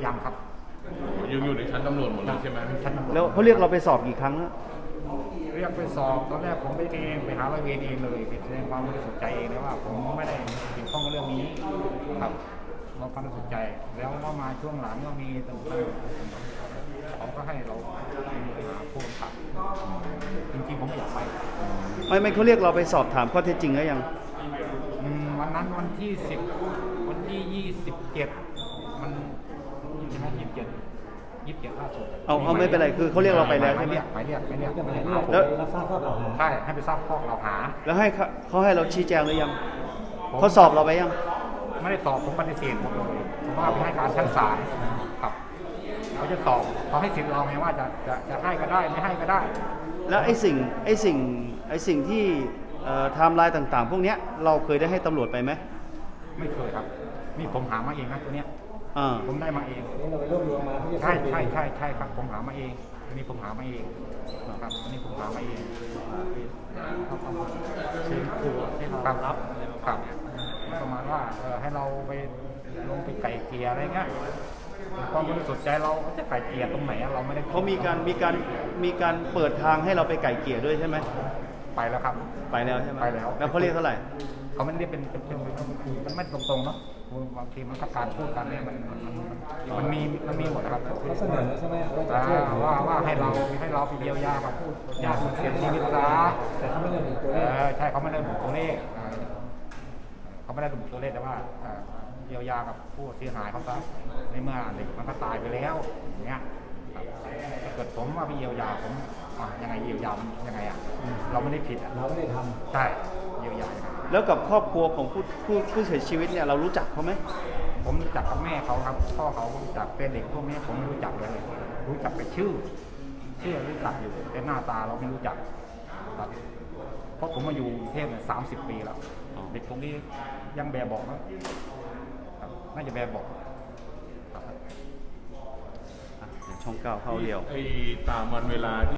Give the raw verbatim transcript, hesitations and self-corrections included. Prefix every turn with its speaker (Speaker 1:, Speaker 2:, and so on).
Speaker 1: ยังครับ
Speaker 2: ยังอยู่ในชั้นตำรวจหมดเลยใช่ไหม
Speaker 3: แล้วเขาเรียกเราไปสอบกี่ครั้งแล้ว
Speaker 1: เรียกไปสอบตอนแรกผมไปเองไปหาร้อยเวรเองเลยไปแสดงความบริสุทธิ์ใจเองเลยว่าผมไม่ได้เกี่ยวข้องกับเรื่องนี้ครับเราความบริสุทธิ์ใจแล้วก็มาช่วงหลังก็มีต่างๆเขาก็ให้เราหาผู้กำกับจริงๆผมไม่อยากไป
Speaker 3: ไม่ไม่เขาเรียกเราไปสอบถามข้อเท็จจริงแล้วยัง
Speaker 1: วันนั้นวันที่สิบวันที่ยี่สิบเจ็ดมันใช่ไหมยี่สิบเจ็ดยี่สิบเจ็ดล่าสุด
Speaker 3: เอาเอาไม่เป็นไรคือเขาเรียกเราไปแล้วใช่ไหม
Speaker 1: ไปเรียกไปเรียกไปเรียก
Speaker 3: แล้ว
Speaker 1: รับทราบข้อกล่าวหาใช่ให้ไปทราบข้อกล่าวหา
Speaker 3: แล้วให้เขาให้เราชี้แจงหรือยังเขาสอบเราไปยัง
Speaker 1: ไม่ได้สอบผมปฏิเสธหมดเลยผมว่าไปให้การชั้นศาลครับเขาจะสอบเขาให้สิทธิ์เราไงว่าจะจะจะให้ก็ได้ไม่ให้ก็ได้
Speaker 3: แล้วไอ้สิ่งไอ้สิ่งไอ้สิ่งที่ไทม์ไลน์ต่างๆพวกนี้เราเคยได้ให้ตำรวจไปไหม
Speaker 1: ไม่เคยครับนี่ผมหามาเองนะตัวเนี้ยผมได้มาเอง
Speaker 4: เราไปรวบรวมมา
Speaker 1: ใช่ใช่ใช่ใช่ครับผมหามาเองตัวนี้ผมหามาเองครับตัวนี้ผมหามาเองเขาประมาณเชิญครูให้เรารับครับประมาณว่าให้เราไปลงไปไก่เกลี่ยอะไรเงี้ยความบริสุทธิ์ใจเราจะไก่เกลี่ยตรงไหนเราไม่ได้
Speaker 3: เขามีการมีการมีการเปิดทางให้เราไปไก่เกลี่ยด้วยใช่ไหม
Speaker 1: ไปแล้วครับ
Speaker 3: ไปแล้วใช่ไหม
Speaker 1: ไปแล้ว
Speaker 3: แล้วเขาเรียกเท่าไหร่
Speaker 1: เขาไม่ได้เป็นเป็นมันไม่ตรงๆเนาะบางทีมันก็การพูดกันเนี่ยมันมันมีมันมีหมดครับ
Speaker 4: เขาเสนอใช่ไหม
Speaker 1: ว่าว่าให้เราให้เราไปเยียวยากับผู้ญาติคนเสียชีวิตซะ
Speaker 4: แต่เขาไม่ได้ระบุตัวเลข
Speaker 1: ใช่เขาไม่ได้ระบุตัวเลขเขาไม่ได้ระบุตัวเลขแต่ว่าเยียวยากับผู้เสียหายเขาซะในเมื่อเด็กมันก็ตายไปแล้วอย่างเงี้ยถ้าเกิดผมว่าไปเยียวยาผมยังไงเยียวยายังไงอ่ะเราไม่ได้ผิดอ่ะ
Speaker 4: เราไม่ได้ทำ
Speaker 1: ใช่เยียวยา
Speaker 3: แล้วกับครอบครัวของผู้ผู้ผู้เสียชีวิตเนี่ยเรารู้จักเขาไหม
Speaker 1: ผมรู้จักกับแม่เขาครับพ่อเขารู้จักเป็นเด็กพวกนี้ผมไม่รู้จักเลยรู้จักไปชื่อชื่อรู้จักอยู่แต่หน้าตาเราไม่รู้จักครับเพราะผมมาอยู่กรุงเทพเนี่ยสามสิบปีแล้วเด็กพวกนี้ยังแบบบอกนะน่าจะแบบบอก
Speaker 3: ช่องเก้าเข้าเดียว
Speaker 2: ไอ้ตามวันเวลา